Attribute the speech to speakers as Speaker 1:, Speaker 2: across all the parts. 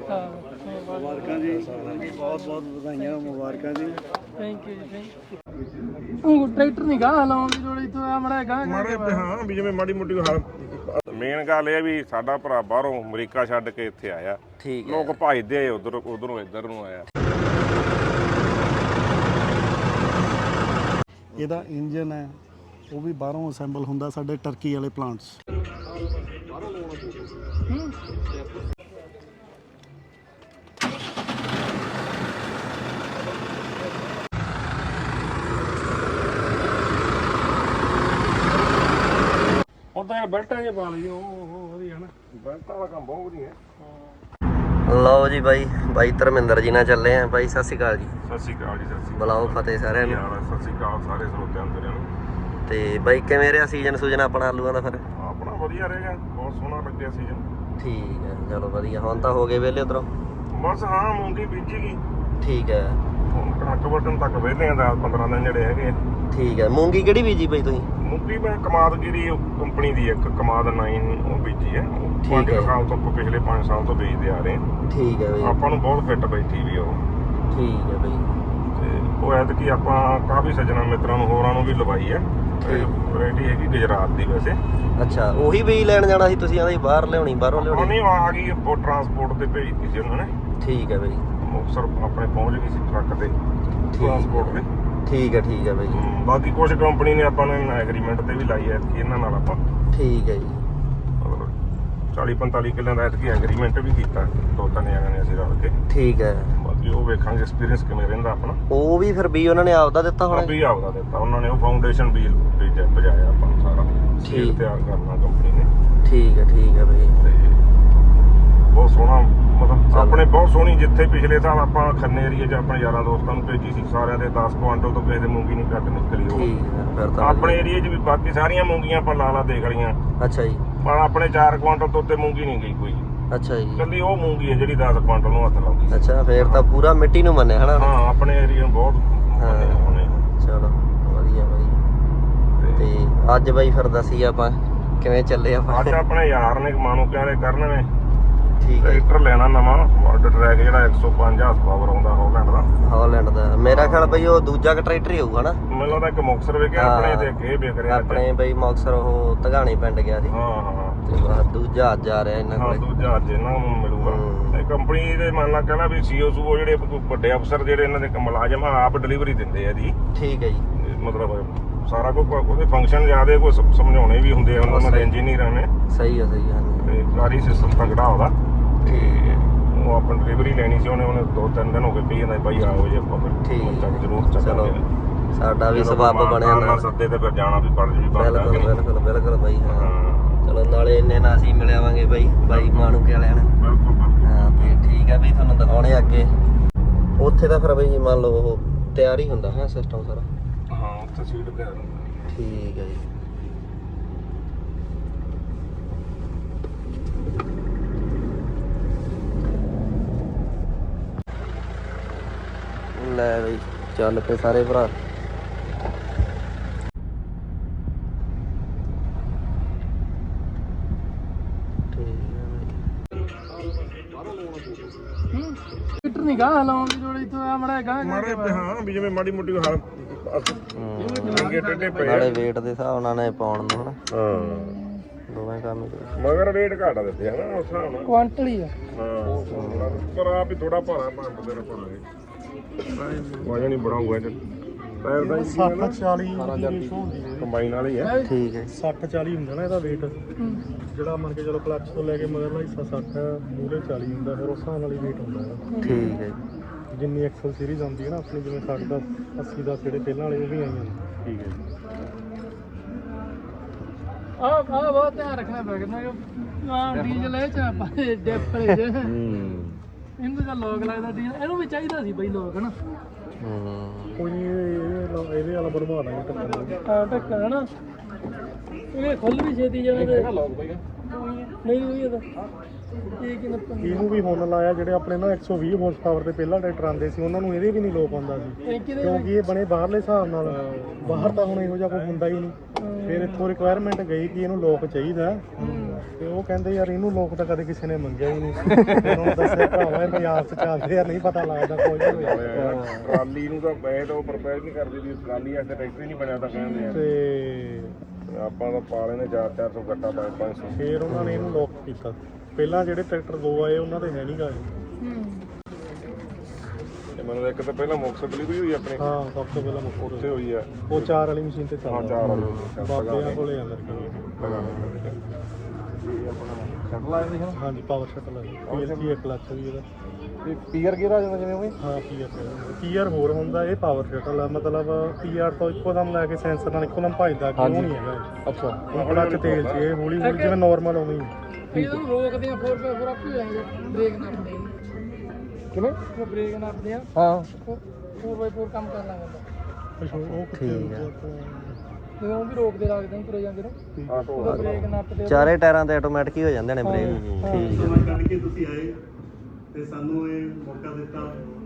Speaker 1: ਮੁਬਾਰਕਾਂ ਜੀ, ਬਹੁਤ ਬਹੁਤ ਵਧਾਈਆਂ, ਮੁਬਾਰਕਾਂ ਜੀ।
Speaker 2: ਥੈਂਕ ਯੂ ਜੀ, ਥੈਂਕ ਯੂ। ਟਰੈਕਟਰ ਨਹੀਂ ਗਾ ਲਾਉਣ ਦੀ ਲੋੜ ਇੱਥੋਂ ਆ ਮੜਾ ਗਾ
Speaker 3: ਹਾਂ ਵੀ ਜਿਵੇਂ ਮਾੜੀ ਮੋਟੀ ਮੇਨ ਗੱਲ ਇਹ ਵੀ ਸਾਡਾ ਭਰਾ ਬਾਹਰੋਂ ਅਮਰੀਕਾ ਛੱਡ ਕੇ ਇੱਥੇ ਆਇਆ।
Speaker 4: ਠੀਕ ਹੈ।
Speaker 3: ਲੋਕ ਭਜਦੇ ਉਧਰੋਂ ਇੱਧਰ ਨੂੰ ਆਇਆ।
Speaker 1: ਇਹਦਾ ਇੰਜਨ ਹੈ ਉਹ ਵੀ ਬਾਹਰੋਂ ਅਸੈਂਬਲ ਹੁੰਦਾ ਸਾਡੇ ਟਰਕੀ ਵਾਲੇ ਪਲਾਂਟਸ।
Speaker 3: ਉਦਾਂ ਯਾਰ ਬੈਲਟਾਂ ਜੇ ਪਾ ਲਈ ਉਹ ਵਧੀਆ ਨਾ, ਬੈਲਟਾਂ ਵਾਲਾ ਕੰਮ ਬਹੁਤ ਵਧੀਆ।
Speaker 4: ਲਓ ਜੀ ਬਾਈ ਧਰਮਿੰਦਰ ਜੀ ਨਾਲ ਚੱਲੇ ਆ। ਬਾਈ ਸਤਿ ਸ਼੍ਰੀ ਅਕਾਲ ਜੀ।
Speaker 3: ਸਤਿ ਸ਼੍ਰੀ ਅਕਾਲ ਜੀ। ਸਤਿ ਸ਼੍ਰੀ ਅਕਾਲ।
Speaker 4: ਬੁਲਾਓ ਫਤਿਹ ਸਾਰਿਆਂ ਨੂੰ।
Speaker 3: ਸਤਿ ਸ਼੍ਰੀ ਅਕਾਲ ਸਾਰੇ ਸਰੋਤਿਆਂ ਨੂੰ।
Speaker 4: ਤੇ ਬਾਈ ਕਿਵੇਂ ਰਿਹਾ ਸੀਜ਼ਨ ਆਪਣਾ ਆਲੂਆਂ ਦਾ? ਫਿਰ
Speaker 3: ਆਪਣਾ ਵਧੀਆ ਰਹੇਗਾ, ਬਹੁਤ ਸੋਹਣਾ ਲੱਗਿਆ ਸੀਜ਼ਨ।
Speaker 4: ਠੀਕ ਹੈ, ਚਲੋ ਵਧੀਆ। ਹੁਣ ਤਾਂ ਹੋ ਗਏ ਵਿਹਲੇ ਉਧਰੋਂ?
Speaker 3: ਬਸ ਹਾਂ, ਮੂੰਗੀ ਬੀਜੀ ਗਈ।
Speaker 4: ਠੀਕ ਹੈ।
Speaker 3: ਹੁਣ ਕਣਕ ਵੱਢਣ ਤੱਕ ਵਿਹਲੇ ਆ 10-15 ਦਿਨ ਜਿਹੜੇ ਹੈਗੇ।
Speaker 4: ਠੀਕ ਹੈ। ਮੂੰਗੀ ਕਿਹੜੀ ਬੀਜੀ ਬਾਈ ਤੁਸੀਂ?
Speaker 3: ਮੂੰਗੀ ਮੈਂ ਕਮਾਦਗਿਰੀ ਕੰਪਨੀ ਦੀ ਇੱਕ ਕਮਾਦ 9 ਉਹ ਬੀਜੀ ਹੈ।
Speaker 4: ਠੀਕ ਹੈ।
Speaker 3: ਸਾਲ ਤੋਂ ਪਿਛਲੇ 5 ਸਾਲ ਤੋਂ ਬੀਜਦੇ ਆ ਰਹੇ ਹਾਂ।
Speaker 4: ਠੀਕ ਹੈ ਬਾਈ।
Speaker 3: ਆਪਾਂ ਨੂੰ ਬਹੁਤ ਫਿੱਟ ਬੈਠੀ ਵੀ ਉਹ।
Speaker 4: ਠੀਕ ਹੈ ਬਾਈ।
Speaker 3: ਤੇ ਉਹ ਐਤਕੀ ਆਪਾਂ ਕਾਫੀ ਸੱਜਣਾ ਮਿੱਤਰਾਂ ਨੂੰ ਹੋਰਾਂ ਨੂੰ ਵੀ ਲਵਾਈ ਹੈ। ਵੈਰਾਈਟੀ ਹੈਗੀ ਗੁਜਰਾਤ ਦੀ ਵੈਸੇ।
Speaker 4: ਅੱਛਾ, ਉਹੀ ਬੀਜ ਲੈਣ ਜਾਣਾ ਸੀ ਤੁਸੀਂ? ਆਂਦੇ ਬਾਹਰ ਲਿਆਉਣੀ, ਬਾਹਰੋਂ ਲਿਆਉਣੀ?
Speaker 3: ਨਹੀਂ, ਆ ਗਈ ਉਹ ਟਰਾਂਸਪੋਰਟ ਤੇ ਭੇਜਤੀ ਸੀ ਉਹਨਾਂ ਨੇ।
Speaker 4: ਠੀਕ ਹੈ ਬਾਈ।
Speaker 3: ਮੁਕਤਸਰ ਆਪਣੇ ਪਹੁੰਚ ਗਈ ਸੀ ਟਰੱਕ ਤੇ ਟਰਾਂਸਪੋਰਟ ਤੇ।
Speaker 4: ਠੀਕ ਹੈ ਬਾਈ।
Speaker 3: ਬਾਕੀ ਕੁਝ ਕੰਪਨੀ ਨੇ ਆਪਾਂ ਨੂੰ ਐਗਰੀਮੈਂਟ ਤੇ ਵੀ ਲਾਈ ਹੈ ਇਹਨਾਂ ਨਾਲ ਆਪਾਂ।
Speaker 4: ਠੀਕ ਹੈ ਜੀ।
Speaker 3: ਮਤਲਬ 40-45 ਕਿੱਲਿਆਂ ਦਾ ਐਤਕੀ ਐਗਰੀਮੈਂਟ ਵੀ ਕੀਤਾ 2-3 ਜਣਿਆਂ ਨੇ ਅਸੀਂ ਰਲ ਕੇ।
Speaker 4: ਠੀਕ ਹੈ।
Speaker 3: ਬਾਕੀ ਉਹ ਵੇਖਾਂਗੇ ਐਕਸਪੀਰੀਅੰਸ ਕਿਵੇਂ ਰਹਿੰਦਾ ਆਪਣਾ।
Speaker 4: ਉਹ ਵੀ ਫਿਰ ਬੀ ਉਹਨਾਂ ਨੇ ਆਪਦਾ ਦਿੱਤਾ ਹੋਣਾ?
Speaker 3: ਵੀ ਆਪਦਾ ਦਿੱਤਾ ਉਹਨਾਂ ਨੇ। ਉਹ ਫਾਊਂਡੇਸ਼ਨ ਵੀ ਬਜਾਇਆ ਆਪਾਂ ਨੂੰ ਸਾਰਾ। ਸੀਲ ਤਿਆਰ ਕਰਨਾ ਕੰਪਨੀ ਨੇ।
Speaker 4: ਠੀਕ ਹੈ ਬਾਈ।
Speaker 3: ਤੇ ਬਹੁਤ ਸੋਹਣਾ, ਮਤਲਬ ਆਪਣੇ ਬਹੁਤ ਸੋਹਣੀ। ਜਿੱਥੇ ਪਿਛਲੇ ਸਾਲ ਆਪਾਂ ਖੰਨੇ ਏਰੀਏ 'ਚ ਆਪਣੇ ਯਾਰਾਂ ਦੋਸਤਾਂ ਨੂੰ ਭੇਜੀ ਸੀ, ਸਾਰਿਆਂ ਦੇ 10 ਕੁਆਂਟਲ ਤੋਂ ਕਿਸੇ ਦੇ ਮੂੰਗੀ ਨਹੀਂ ਘੱਟ ਨਿਕਲੀ। ਉਹ ਆਪਣੇ ਏਰੀਏ 'ਚ ਵੀ ਬਾਕੀ ਸਾਰੀਆਂ ਮੂੰਗੀਆਂ ਆਪਾਂ ਲਾ ਦੇਖ ਲਈਆਂ।
Speaker 4: ਅੱਛਾ ਜੀ।
Speaker 3: ਪਰ ਆਪਣੇ 4 ਕੁਆਂਟਲ ਤੋਂ ਉੱਤੇ ਮੂੰਗੀ ਨਹੀਂ ਗਈ ਕੋਈ।
Speaker 4: ਅੱਛਾ ਜੀ।
Speaker 3: ਕੱਲੀ ਉਹ ਮੂੰਗੀ ਹੈ ਜਿਹੜੀ 10 ਕੁਆਂਟਲ ਨੂੰ ਹੱਥ ਲਾਉਂਦੀ।
Speaker 4: ਅੱਛਾ, ਫੇਰ ਤਾਂ ਪੂਰਾ ਮਿੱਟੀ ਨੂੰ ਮੰਨਿਆ ਹਨਾ?
Speaker 3: ਹਾਂ, ਆਪਣੇ ਏਰੀਏ ਨੂੰ ਬਹੁਤ ਮੰਨਿਆ।
Speaker 4: ਚਲੋ ਵਧੀਆ ਤੇ ਅੱਜ ਬਾਈ ਫਿਰ ਦੱਸੀ ਆਪਾਂ ਕਿਵੇਂ ਚੱਲੇ ਆਪਾਂ?
Speaker 3: ਅੱਜ ਆਪਣੇ ਯਾਰ ਨੇ ਮਾਨੂੰ ਕਹਿੰਦੇ ਕਰਨ ਨੇ
Speaker 4: ਠੀਕ ਹੈ।
Speaker 3: ਟਰੈਕਟਰ ਲੈਣਾ ਨਵਾਂ ਵਾਟਰ ਟਰੈਕ ਜਿਹੜਾ 105 ਹਾਰਸ ਪਾਵਰ ਆਉਂਦਾ
Speaker 4: ਹਾਲੈਂਡ ਦਾ। ਮੇਰਾ ਖਿਆਲ ਬਈ ਉਹ ਦੂਜਾ ਟਰੈਕਟਰ ਹੀ ਹੋਊਗਾ ਨਾ?
Speaker 3: ਮੈਨੂੰ ਲੱਗਦਾ ਇੱਕ ਮੁਕਤਸਰ ਵਿਕਿਆ ਆਪਣੇ ਤੇ ਅੱਗੇ ਵਿਕ ਰਿਹਾ।
Speaker 4: ਆਪਣੇ ਬਈ ਮੁਕਤਸਰ ਉਹ ਧਗਾਣੇ ਪਿੰਡ ਗਿਆ ਸੀ।
Speaker 3: ਹਾਂ।
Speaker 4: ਤੇ ਦੂਜਾ ਅੱਜ ਆ ਰਿਹਾ ਇਹਨਾਂ ਕੋਲੇ।
Speaker 3: ਦੂਜਾ ਅੱਜ ਇਹਨਾਂ ਨੂੰ ਮਿਲੂਗਾ। ਇਹ ਕੰਪਨੀ ਦੇ ਮੰਨ ਲਾ ਕਹਿੰਦਾ ਵੀ ਸੀਓ ਸੂਓ ਜਿਹੜੇ ਵੱਡੇ ਅਫਸਰ ਜਿਹੜੇ ਇਹਨਾਂ ਦੇ ਮੁਲਾਜ਼ਮ ਆਪ ਡਿਲੀਵਰੀ ਦਿੰਦੇ ਆ ਜੀ।
Speaker 4: ਠੀਕ ਹੈ ਜੀ।
Speaker 3: ਮਤਲਬ ਸਾਰਾ ਕੁਝ ਉਹਦੇ ਫੰਕਸ਼ਨ ਜ਼ਿਆਦਾ ਕੋਈ ਸਮਝਾਉਣੇ ਵੀ ਹੁੰਦੇ ਆ ਉਹਨਾਂ ਦੇ ਇੰਜੀਨੀਅਰਾਂ ਨੇ।
Speaker 4: ਸਹੀ ਹੈ। ਤੇ
Speaker 3: ਸਾਰੀ ਸਿਸਟਮ ਤਗੜਾ ਉਹਦਾ। ਤੇ ਉਹ ਆਪਾਂ ਡਿਲੀਵਰੀ ਲੈਣੀ ਸੀ। ਉਹਨੇ 2-3 ਦਿਨ ਹੋ ਗਏ ਪਈ ਜਾਂਦਾ ਬਾਈ ਆਓ ਜੇ ਆਪਾਂ ਚੱਕ ਜ਼ਰੂਰ ਚੱਕਾਂਗੇ।
Speaker 4: ਸਾਡਾ ਵੀ ਸਬੱਬ ਬਣਿਆ ਨਾ
Speaker 3: ਸੱਦੇ ਤੇ ਫਿਰ ਜਾਣਾ ਵੀ ਪੜ ਜੀ।
Speaker 4: ਬਿਲਕੁਲ ਬਾਈ। ਹਾਂ ਚਲੋ, ਨਾਲੇ ਇੰਨੇ ਨਾਲ ਅਸੀਂ ਮਿਲ ਆਵਾਂਗੇ ਬਾਈ ਮਾਣੂਕੇ ਵਾਲਿਆਂ ਨਾਲ। ਹਾਂ ਤੇ ਠੀਕ ਹੈ ਬਈ, ਤੁਹਾਨੂੰ ਦਿਖਾਉਣੇ ਅੱਗੇ। ਉੱਥੇ ਤਾਂ ਫਿਰ ਬਈ ਮੰਨ ਲਓ ਉਹ ਤਿਆਰ ਹੀ ਹੁੰਦਾ ਹੈ ਸਿਸਟਮ ਸਾਰਾ?
Speaker 3: ਹਾਂ, ਉੱਥੇ ਸੀਟ ਤਿਆਰ ਹੁੰਦਾ।
Speaker 4: ਠੀਕ ਹੈ ਜੀ। ਲੈ ਬਈ ਚੱਲ ਪਏ ਸਾਰੇ ਭਰਾ।
Speaker 2: ਟਰੈਕਟਰ ਨਹੀਂ ਗਾ ਲਾਉਣ ਦੀ ਲੋੜ ਇੱਥੋਂ ਆ ਮੜਾ ਗਾ
Speaker 3: ਹਾਂ ਵੀ ਜਿਵੇਂ ਮਾੜੀ ਮੋਟੀ ਟੇਢੇ ਪਏ
Speaker 4: ਨਾਲੇ weight ਦੇ ਹਿਸਾਬ ਨਾਲ ਨੇ ਪਾਉਣ ਨੂੰ ਹਨਾ। ਦੋਵੇਂ ਕੰਮ ਹੀ
Speaker 3: ਮਗਰ ਰੇਟ ਘਾਟਾ ਦਿੱਤੇ ਹਨਾ ਉਸ ਹਿਸਾਬ ਨਾਲ।
Speaker 2: ਕੁਆਂਟਲ ਹੀ ਆ।
Speaker 3: ਹਾਂ, ਪਰ ਆਪ ਹੀ ਥੋੜਾ ਭਾਰਾ ਪੰਪ ਦੇ ਰੱਖਾਂਗੇ। ਵਜਨ ਹੀ ਬੜਾ ਹੋਊਗਾ ਇਹ ਟਾਇਰ ਦਾ।
Speaker 1: 60-40 ਦੀ ਰੇਸ਼ੋ ਹੁੰਦੀ ਹੈ
Speaker 3: ਕੰਬਾਈਨ ਵਾਲੀ ਹੈ।
Speaker 4: ਠੀਕ ਹੈ।
Speaker 1: 60-40 ਹੁੰਦਾ ਨਾ ਇਹਦਾ weight, ਜਿਹੜਾ ਮੰਨ ਕੇ ਚਲੋ ਕਲੱਚ ਤੋਂ ਲੈ ਕੇ ਮਗਰਲਾ ਹਿੱਸਾ 60 ਮੂਹਰੇ 40 ਹੁੰਦਾ। ਫਿਰ ਉਸ ਹਿਸਾਬ ਨਾਲ ਹੀ weight ਹੁੰਦਾ ਇਹਦਾ।
Speaker 4: ਠੀਕ ਹੈ।
Speaker 1: ਜਿੰਨੀ ਐਕਸਲ ਸੀਰੀਜ਼ ਆਉਂਦੀ ਹੈ ਨਾ ਆਪਣੀ, ਜਿਵੇਂ 60 ਦਾ 80 ਦਾ ਜਿਹੜੇ ਪਹਿਲਾਂ ਵਾਲੇ ਉਹ ਵੀ ਆਈਆਂ ਨੇ।
Speaker 3: ਠੀਕ ਹੈ ਜੀ।
Speaker 2: ਆ ਬਹੁਤ ਧਿਆਨ ਰੱਖਣਾ ਪੈਗਾ ਨਾ। ਡੀਜ਼ਲ ਇਹ ਚ ਆਪਾਂ ਡਿੱਪ ਜੇ ਇਹਨੂੰ ਤਾਂ ਲੋਕ ਲੱਗਦਾ ਡੀਜ਼ਲ। ਇਹਨੂੰ ਵੀ ਚਾਹੀਦਾ ਸੀ ਬਈ ਲੋਕ ਹਨਾ।
Speaker 1: ਕੋਈ ਨਹੀਂ, ਇਹਦੇ ਵਾਲਾ ਬਣਵਾ ਦਾਂਗੇ ਢੱਕਣ।
Speaker 2: ਢੱਕਣ ਹਨਾ। ਇਹ ਖੁੱਲ ਵੀ ਛੇਤੀ ਜਾਣਾ ਤੇ ਨਹੀਂ ਹੋਈ ਇਹਦਾ।
Speaker 1: ਇਹਨੂੰ ਵੀ ਹੁਣ ਲਾਇਆ ਜਿਹੜੇ ਆਪਣੇ ਨਾ 120 ਹਾਰਸ ਪਾਵਰ ਤੇ ਪਹਿਲਾਂ ਟਰੈਕਟਰ ਆਉਂਦੇ ਸੀ, ਉਹਨਾਂ ਨੂੰ ਇਹਦੇ ਵੀ ਨਹੀਂ ਲੋਕ ਆਉਂਦਾ ਸੀ, ਕਿਉਂਕਿ ਇਹ ਬਣੇ ਬਾਹਰਲੇ ਹਿਸਾਬ ਨਾਲ। ਬਾਹਰ ਤਾਂ ਹੁਣ ਇਹੋ ਜਿਹਾ ਕੋਈ ਹੁੰਦਾ ਹੀ ਨਹੀਂ। ਫਿਰ ਇੱਥੋਂ ਰਿਕੁਆਇਰਮੈਂਟ ਗਈ ਕਿ ਇਹਨੂੰ ਲੋਕ ਚਾਹੀਦਾ। ਤੇ ਉਹ ਕਹਿੰਦੇ ਯਾਰ ਇਹਨੂੰ ਲੋਕ ਤਾਂ ਕਦੇ ਕਿਸੇ ਨੇ ਮੰਗਿਆ ਹੀ ਨਹੀਂ। ਉਹਨੂੰ ਦੱਸਿਆ ਭਰਾਵਾ ਇਹ ਪੰਜਾਬ 'ਚ ਚੱਲਦੇ ਆ, ਨਹੀਂ ਪਤਾ ਲੱਗਦਾ ਕੋਈ ਨਹੀਂ।
Speaker 3: ਟਰਾਲੀ ਨੂੰ ਤਾਂ ਮੈਂ ਤਾਂ ਉਹ ਪ੍ਰਪੇਅਰ ਨਹੀਂ ਕਰਦੀ ਵੀ ਟਰਾਲੀ ਐਸੇ ਟਰੈਕਟਰ ਹੀ ਨਹੀਂ ਬਣਿਆ ਤਾਂ ਕਹਿੰਦੇ ਆ
Speaker 1: ਤੇ
Speaker 3: ਆਪਾਂ ਤਾਂ ਪਾ ਲੈਨੇ 400 ਗੱਟਾ 500।
Speaker 1: ਫਿਰ ਉਹਨਾਂ ਨੇ ਇਹਨੂੰ ਲੋਕ ਕੀਤਾ। ਪਹਿਲਾਂ ਜਿਹੜੇ ਟਰੈਕਟਰ ਦੋ ਆਏ ਉਹਨਾਂ ਦੇ ਹੈ ਨਹੀਂ ਗਾ
Speaker 3: ਤੇ ਮੈਨੂੰ ਇੱਕ ਤਾਂ ਪਹਿਲਾਂ ਮੁਕਤਸਰ ਡਿਲੀਵਰੀ ਹੋਈ ਆਪਣੀ,
Speaker 1: ਹਾਂ ਸਭ ਤੋਂ ਪਹਿਲਾਂ ਮੁੱਖ
Speaker 3: ਉੱਥੇ ਹੋਈ ਆ
Speaker 1: ਉਹ 4 ਵਾਲੀ ਮਸ਼ੀਨ ਤੇ
Speaker 3: ਹਾਂ
Speaker 1: ਚੱਲਦਾ
Speaker 3: 4 ਵਾਲੀ
Speaker 1: ਬਾਬਿਆਂ ਕੋਲੇ ਆ ਮੇਰੇ ਕੋਲ।
Speaker 3: ਸ਼ਟਲ ਆਇਆ ਸੀ
Speaker 1: ਹਾਂਜੀ ਪਾਵਰ ਸ਼ਟਲ ਹੈ PLC 1 ਲੱਖ ਵੀ ਇਹਦਾ।
Speaker 3: ਤੇ ਪੀਅਰ ਗੇਅਰ ਆ ਜਾਂਦਾ ਜਿਵੇਂ ਉਹ
Speaker 1: ਹਾਂ ਪੀਆਰ ਹੋਰ ਹੁੰਦਾ, ਇਹ ਪਾਵਰ ਸ਼ਟਲ ਆ। ਮਤਲਬ ਪੀਆਰ ਤੋਂ ਇੱਕੋਦਮ ਲੈ ਕੇ ਸੈਂਸਰ ਨਾਲ ਇੱਕੋਦਮ ਭੱਜਦਾ ਕਿਉਂ ਨਹੀਂ ਹੈਗਾ ਇਹ।
Speaker 3: ਅੱਛਾ
Speaker 1: ਹੁਣ ਕਲੱਚ ਤੇਲ 'ਚ ਇਹ ਹੌਲੀ ਹੌਲੀ ਜਿਵੇਂ ਨਾਰਮਲ ਉਵੇਂ ਹੀ।
Speaker 2: ਇਹਨੂੰ ਰੋਕਦੇ ਆ 4x4 ਆਪੇ ਜਾਏਗਾ ਬ੍ਰੇਕ ਨਾਪਦੇ ਆ
Speaker 3: ਕਿਵੇਂ
Speaker 2: ਉਹ ਬ੍ਰੇਕ ਨਾਪਦੇ ਆ
Speaker 3: ਹਾਂ
Speaker 2: 4x4 ਕੰਮ ਕਰਨਾ ਪੈਂਦਾ
Speaker 1: ਉਹ
Speaker 4: ਠੀਕ ਆ।
Speaker 2: ਜਦੋਂ ਉਹ ਵੀ ਰੋਕਦੇ ਰੱਖਦੇ ਨੇ ਤੁਰੇ ਜਾਂਦੇ ਨੇ
Speaker 3: ਆਟੋ
Speaker 2: ਉਹਦਾ ਬ੍ਰੇਕ ਨਾਪਦੇ ਆ।
Speaker 4: ਚਾਰੇ ਟਾਇਰਾਂ ਤੇ ਆਟੋਮੈਟਿਕ ਹੀ ਹੋ ਜਾਂਦੇ ਨੇ ਬ੍ਰੇਕ। ਠੀਕ
Speaker 1: ਸਮਾਂ ਕੱਢ ਕੇ ਤੁਸੀਂ ਆਏ ਤੇ ਸਾਨੂੰ ਇਹ ਮੌਕਾ ਦਿੱਤਾ।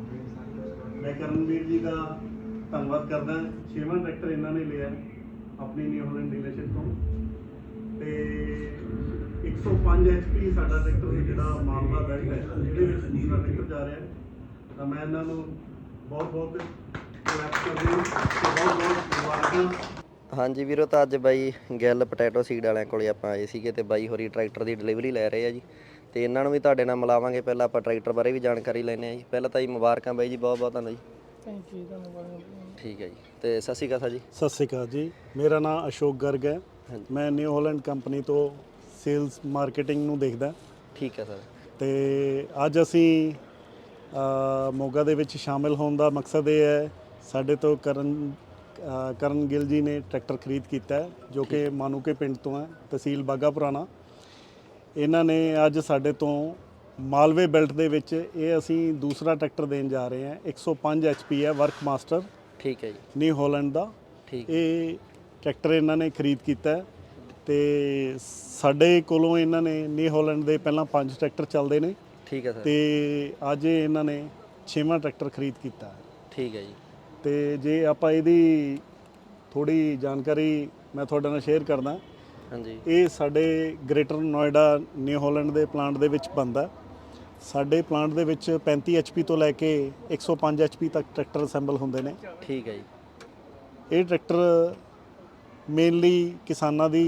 Speaker 1: ਮੈਂ ਕਰਨਵੀਰ ਜੀ ਦਾ ਧੰਨਵਾਦ ਕਰਦਾ। 6ਵਾਂ ਟਰੈਕਟਰ ਇਹਨਾਂ ਨੇ ਲਿਆ ਆਪਣੀ ਨਿਊ ਹਾਲੈਂਡ ਡੀਲਰਸ਼ਿਪ ਤੋਂ ਤੇ 105 HP ਸਾਡਾ ਟਰੈਕਟਰ ਜਿਹੜਾ ਮਾਲਵਾ ਬੈਲਟ ਹੈ ਇਹਦੇ ਵਿੱਚ ਦੂਸਰਾ ਟਰੈਕਟਰ ਜਾ ਰਿਹਾ ਹੈ। ਤਾਂ ਮੈਂ ਇਹਨਾਂ ਨੂੰ ਬਹੁਤ ਬਹੁਤ ਕਲੈਪ ਕਰਦਾ ਤੇ ਬਹੁਤ ਬਹੁਤ ਮੁਬਾਰਕਾਂ।
Speaker 4: ਹਾਂਜੀ ਵੀਰੋ, ਤਾਂ ਅੱਜ ਬਾਈ ਗਿੱਲ ਪੋਟੈਟੋ ਸੀਡ ਵਾਲਿਆਂ ਕੋਲੇ ਆਪਾਂ ਆਏ ਸੀਗੇ ਤੇ ਬਾਈ ਹੋਰੀ ਟਰੈਕਟਰ ਦੀ ਡਿਲੀਵਰੀ ਲੈ ਰਹੇ ਆ ਜੀ। ਤੇ ਇਹਨਾਂ ਨੂੰ ਵੀ ਤੁਹਾਡੇ ਨਾਲ ਮਿਲਾਵਾਂਗੇ। ਪਹਿਲਾਂ ਆਪਾਂ ਟਰੈਕਟਰ ਬਾਰੇ ਵੀ ਜਾਣਕਾਰੀ ਲੈਣੇ ਆ ਜੀ। ਪਹਿਲਾਂ ਤਾਂ ਜੀ ਮੁਬਾਰਕਾਂ ਬਾਈ ਜੀ, ਬਹੁਤ ਬਹੁਤ ਤੁਹਾਨੂੰ ਜੀ।
Speaker 2: ਥੈਂਕ ਯੂ ਧੰਨਵਾਦ।
Speaker 4: ਠੀਕ ਹੈ ਜੀ। ਤੇ ਸਤਿ ਸ਼੍ਰੀ ਅਕਾਲ ਸਰ ਜੀ।
Speaker 1: ਸਤਿ ਸ਼੍ਰੀ ਅਕਾਲ ਜੀ, ਮੇਰਾ ਨਾਮ ਅਸ਼ੋਕ ਗਰਗ ਹੈ। ਮੈਂ ਨਿਊ ਹਾਲੈਂਡ ਕੰਪਨੀ ਤੋਂ ਸੇਲਸ ਮਾਰਕੀਟਿੰਗ ਨੂੰ ਦੇਖਦਾ।
Speaker 4: ਠੀਕ ਹੈ ਸਰ।
Speaker 1: ਤੇ ਅੱਜ ਅਸੀਂ ਮੋਗਾ ਦੇ ਵਿੱਚ ਸ਼ਾਮਿਲ ਹੋਣ ਦਾ ਮਕਸਦ ਇਹ ਹੈ, ਸਾਡੇ ਤੋਂ ਕਰਨ ਗਿੱਲ ਜੀ ਨੇ ਟਰੈਕਟਰ ਖਰੀਦ ਕੀਤਾ ਹੈ ਜੋ ਕਿ ਮਾਨੂਕੇ ਪਿੰਡ ਤੋਂ ਹੈ, ਤਹਿਸੀਲ ਬਾਘਾ ਪੁਰਾਣਾ। ਇਹਨਾਂ ਨੇ ਅੱਜ ਸਾਡੇ ਤੋਂ ਮਾਲਵੇ ਬੈਲਟ ਦੇ ਵਿੱਚ ਇਹ ਅਸੀਂ ਦੂਸਰਾ ਟਰੈਕਟਰ ਦੇਣ ਜਾ ਰਹੇ ਹਾਂ। 105 HP ਹੈ, ਵਰਕ ਮਾਸਟਰ।
Speaker 4: ਠੀਕ ਹੈ ਜੀ।
Speaker 1: ਨਿਊ ਹਾਲੈਂਡ ਦਾ
Speaker 4: ਠੀਕ।
Speaker 1: ਇਹ ਟਰੈਕਟਰ ਇਹਨਾਂ ਨੇ ਖਰੀਦ ਕੀਤਾ ਹੈ ਤੇ ਸਾਡੇ ਕੋਲੋਂ ਇਹਨਾਂ ਨੇ ਨਿਊ ਹਾਲੈਂਡ ਦੇ ਪਹਿਲਾਂ 5 ਟਰੈਕਟਰ ਚੱਲਦੇ ਨੇ।
Speaker 4: ਠੀਕ ਹੈ ਸਰ।
Speaker 1: ਤੇ ਅੱਜ ਇਹਨਾਂ ਨੇ 6ਵਾਂ ਟਰੈਕਟਰ ਖਰੀਦ ਕੀਤਾ ਹੈ।
Speaker 4: ਠੀਕ ਹੈ ਜੀ।
Speaker 1: ਤੇ ਜੇ ਆਪਾਂ ਇਹਦੀ ਥੋੜੀ ਜਾਣਕਾਰੀ ਮੈਂ ਤੁਹਾਡੇ ਨਾਲ ਸ਼ੇਅਰ ਕਰਦਾ।
Speaker 4: ਹਾਂਜੀ।
Speaker 1: ਇਹ ਸਾਡੇ ਗ੍ਰੇਟਰ ਨੋਇਡਾ ਨਿਊ ਹਾਲੈਂਡ ਦੇ ਪਲਾਂਟ ਦੇ ਵਿੱਚ ਬਣਦਾ। ਸਾਡੇ ਪਲਾਂਟ ਦੇ ਵਿੱਚ 35 HP ਤੋਂ ਲੈ ਕੇ 105 HP ਤੱਕ ਟਰੈਕਟਰ ਅਸੈਂਬਲ ਹੁੰਦੇ ਨੇ।
Speaker 4: ਠੀਕ ਹੈ ਜੀ।
Speaker 1: ਇਹ ਟਰੈਕਟਰ ਮੇਨਲੀ ਕਿਸਾਨਾਂ ਦੀ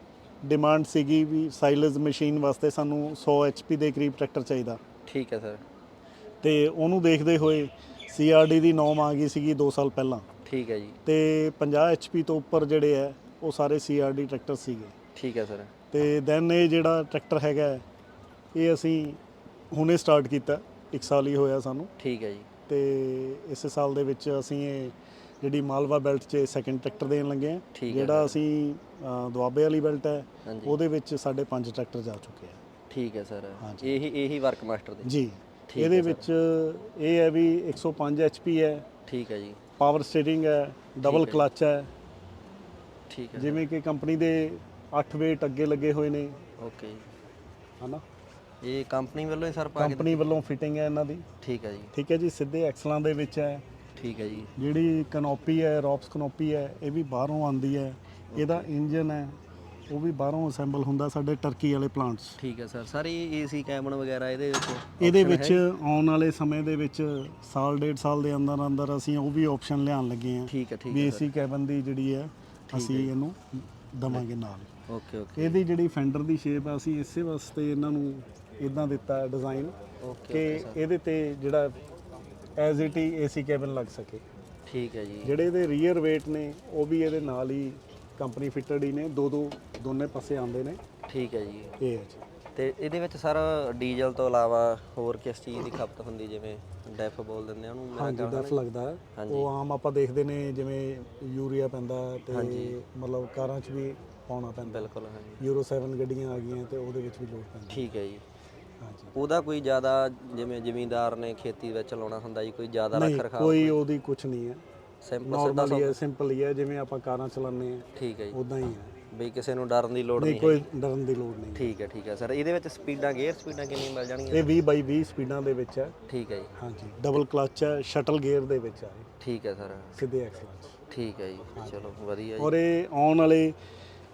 Speaker 1: ਡਿਮਾਂਡ ਸੀਗੀ ਵੀ ਸਾਈਲਜ਼ ਮਸ਼ੀਨ ਵਾਸਤੇ ਸਾਨੂੰ 100 HP ਦੇ ਕਰੀਬ ਟਰੈਕਟਰ ਚਾਹੀਦਾ।
Speaker 4: ਠੀਕ ਹੈ ਸਰ।
Speaker 1: ਤੇ ਉਹਨੂੰ ਦੇਖਦੇ ਹੋਏ CRD ਦੀ ਨੌਮ ਆ ਗਈ ਸੀਗੀ 2 ਸਾਲ ਪਹਿਲਾਂ।
Speaker 4: ਠੀਕ ਹੈ ਜੀ।
Speaker 1: ਤੇ 50 HP ਤੋਂ ਉੱਪਰ ਜਿਹੜੇ ਹੈ ਉਹ ਸਾਰੇ CRD ਟਰੈਕਟਰ ਸੀਗੇ।
Speaker 4: ਠੀਕ ਹੈ ਸਰ।
Speaker 1: ਤੇ ਦੈਨ ਇਹ ਜਿਹੜਾ ਟਰੈਕਟਰ ਹੈਗਾ ਇਹ ਅਸੀਂ ਹੁਣੇ ਸਟਾਰਟ ਕੀਤਾ, 1 ਸਾਲ ਹੀ ਹੋਇਆ ਸਾਨੂੰ।
Speaker 4: ਠੀਕ ਹੈ ਜੀ।
Speaker 1: ਤੇ ਇਸ ਸਾਲ ਦੇ ਵਿੱਚ ਅਸੀਂ ਇਹ ਜਿਹੜੀ ਮਾਲਵਾ ਬੈਲਟ 'ਚ ਸੈਕਿੰਡ ਟਰੈਕਟਰ ਦੇਣ ਲੱਗੇ ਹਾਂ। ਜਿਹੜਾ ਅਸੀਂ ਦੁਆਬੇ ਵਾਲੀ ਬੈਲਟ ਹੈ ਉਹਦੇ ਵਿੱਚ ਸਾਡੇ 5 ਟਰੈਕਟਰ ਜਾ ਚੁੱਕੇ ਆ।
Speaker 4: ਠੀਕ ਹੈ ਸਰ। ਇਹੀ ਵਰਕ ਮਾਸਟਰ ਦੇ
Speaker 1: ਜੀ। ਇਹਦੇ ਵਿੱਚ ਇਹ ਹੈ ਵੀ 105 HP ਹੈ।
Speaker 4: ਠੀਕ ਹੈ ਜੀ।
Speaker 1: ਪਾਵਰ ਸਟੀਅਰਿੰਗ ਹੈ, ਡਬਲ ਕਲਚ ਹੈ।
Speaker 4: ਠੀਕ ਹੈ।
Speaker 1: ਜਿਵੇਂ ਕਿ ਕੰਪਨੀ ਦੇ 8 ਵੇਟ ਅੱਗੇ ਲੱਗੇ ਹੋਏ ਨੇ।
Speaker 4: ਓਕੇ ਜੀ।
Speaker 1: ਹਨਾ,
Speaker 4: ਇਹ ਕੰਪਨੀ ਵੱਲੋਂ ਹੀ ਸਰ
Speaker 1: ਕੰਪਨੀ ਵੱਲੋਂ ਫਿਟਿੰਗ ਹੈ ਇਹਨਾਂ ਦੀ।
Speaker 4: ਠੀਕ ਹੈ ਜੀ।
Speaker 1: ਠੀਕ ਹੈ ਜੀ। ਸਿੱਧੇ ਐਕਸਲਾਂ ਦੇ ਵਿੱਚ ਹੈ।
Speaker 4: ਠੀਕ ਹੈ ਜੀ।
Speaker 1: ਜਿਹੜੀ ਕਨੋਪੀ ਹੈ, ਰੌਪਸ ਕਨੋਪੀ ਹੈ, ਇਹ ਵੀ ਬਾਹਰੋਂ ਆਉਂਦੀ ਹੈ। ਇਹਦਾ ਇੰਜਨ ਹੈ ਉਹ ਵੀ ਬਾਹਰੋਂ ਅਸੈਂਬਲ ਹੁੰਦਾ ਸਾਡੇ ਟਰਕੀ ਵਾਲੇ ਪਲਾਂਟਸ।
Speaker 4: ਠੀਕ ਹੈ ਸਰ। ਸਾਰੀ AC ਕੈਬਨ ਵਗੈਰਾ
Speaker 1: ਇਹਦੇ ਵਿੱਚ ਆਉਣ ਵਾਲੇ ਸਮੇਂ ਦੇ ਵਿੱਚ ਸਾਲ 1.5 ਸਾਲ ਦੇ ਅੰਦਰ ਅੰਦਰ ਅਸੀਂ ਉਹ ਵੀ ਆਪਸ਼ਨ ਲਿਆਉਣ ਲੱਗੇ ਹਾਂ।
Speaker 4: ਠੀਕ ਹੈ। ਠੀਕ
Speaker 1: ਹੈ। AC ਕੈਬਨ ਦੀ ਜਿਹੜੀ ਹੈ ਅਸੀਂ ਇਹਨੂੰ ਦਵਾਂਗੇ ਨਾਲ।
Speaker 4: Okay okay.
Speaker 1: ਇਹਦੀ ਜਿਹੜੀ ਫੈਂਡਰ ਦੀ ਸ਼ੇਪ ਆ ਅਸੀਂ ਇਸੇ ਵਾਸਤੇ ਇਹਨਾਂ ਨੂੰ ਇਦਾਂ ਦਿੱਤਾ ਹੈ ਡਿਜ਼ਾਈਨ ਕਿ ਇਹਦੇ ਤੇ ਜਿਹੜਾ ਐਜ਼ ਇਟ ਹੀ AC ਕੈਬਨ ਲੱਗ ਸਕੇ।
Speaker 4: ਠੀਕ ਹੈ ਜੀ।
Speaker 1: ਜਿਹੜੇ ਇਹਦੇ ਰੀਅਰ ਵੇਟ ਨੇ ਉਹ ਵੀ ਇਹਦੇ ਨਾਲ ਹੀ ਕੰਪਨੀ ਫਿਟਡ ਹੀ ਨੇ, ਦੋਨੇ ਪਾਸੇ ਆਉਂਦੇ ਨੇ।
Speaker 4: ਠੀਕ ਹੈ ਜੀ।
Speaker 1: ਇਹ ਹੈ ਜੀ।
Speaker 4: ਤੇ ਇਹਦੇ ਵਿੱਚ ਸਰ ਡੀਜ਼ਲ ਤੋਂ ਇਲਾਵਾ ਹੋਰ ਕਿਸ ਚੀਜ਼ ਦੀ ਖਪਤ ਹੁੰਦੀ, ਜਿਵੇਂ ਡੈਫ ਬੋਲ ਦਿੰਦੇ ਆ ਉਹਨੂੰ?
Speaker 1: ਹਾਂਜੀ, ਡੈਫ ਲੱਗਦਾ ਹੈ। ਉਹ ਆਮ ਆਪਾਂ ਦੇਖਦੇ ਨੇ ਜਿਵੇਂ ਯੂਰੀਆ ਪੈਂਦਾ ਤੇ ਮਤਲਬ ਕਾਰਾਂ 'ਚ ਵੀ ਪਾਉਣਾ ਪੈਂਦਾ।
Speaker 4: ਬਿਲਕੁਲ। ਹਾਂਜੀ।
Speaker 1: ਯੂਰੋ 7 ਗੱਡੀਆਂ ਆ ਗਈਆਂ ਤੇ ਉਹਦੇ ਵਿੱਚ ਵੀ ਲੋੜ ਪੈਂਦੀ।
Speaker 4: ਠੀਕ ਹੈ ਜੀ।
Speaker 1: ਹਾਂਜੀ।
Speaker 4: ਉਹਦਾ ਕੋਈ ਜ਼ਿਆਦਾ ਜਿਵੇਂ ਜ਼ਿਮੀਂਦਾਰ ਨੇ ਖੇਤੀ ਵਿੱਚ ਲਾਉਣਾ ਹੁੰਦਾ ਜੀ, ਕੋਈ ਜ਼ਿਆਦਾ ਰੱਖ ਰਖਾਅ?
Speaker 1: ਕੋਈ ਉਹਦੀ ਕੁਝ ਨਹੀਂ ਹੈ,
Speaker 4: ਸਿੰਪਲ
Speaker 1: ਹੀ ਹੈ, ਸਿੰਪਲ ਹੀ ਹੈ ਜਿਵੇਂ ਆਪਾਂ ਕਾਰਾਂ ਚਲਾਉਂਦੇ ਆ।
Speaker 4: ਠੀਕ ਹੈ ਜੀ।
Speaker 1: ਉਦਾਂ ਹੀ ਹੈ,
Speaker 4: ਬਈ ਕਿਸੇ ਨੂੰ ਡਰਨ ਦੀ ਲੋੜ
Speaker 1: ਨਹੀਂ, ਕੋਈ ਡਰਨ ਦੀ ਲੋੜ ਨਹੀਂ।
Speaker 4: ਠੀਕ ਹੈ। ਠੀਕ ਹੈ ਸਰ। ਇਹਦੇ ਵਿੱਚ ਸਪੀਡਾਂ, ਗੇਅਰ ਸਪੀਡਾਂ ਕਿੰਨੀਆਂ ਮਿਲ ਜਾਣਗੀਆਂ?
Speaker 1: ਇਹ 20/20 ਸਪੀਡਾਂ ਦੇ ਵਿੱਚ ਹੈ।
Speaker 4: ਠੀਕ ਹੈ ਜੀ।
Speaker 1: ਹਾਂਜੀ। ਡਬਲ ਕਲਚ ਹੈ, ਸ਼ਟਲ ਗੇਅਰ ਦੇ ਵਿੱਚ ਹੈ।
Speaker 4: ਠੀਕ ਹੈ ਸਰ।
Speaker 1: ਸਿੱਧੇ ਐਕਸਲਾਂ 'ਚ।
Speaker 4: ਠੀਕ ਹੈ ਜੀ। ਚਲੋ ਵਧੀਆ ਜੀ।
Speaker 1: ਔਰ ਇਹ ਆਉਣ ਵਾਲੇ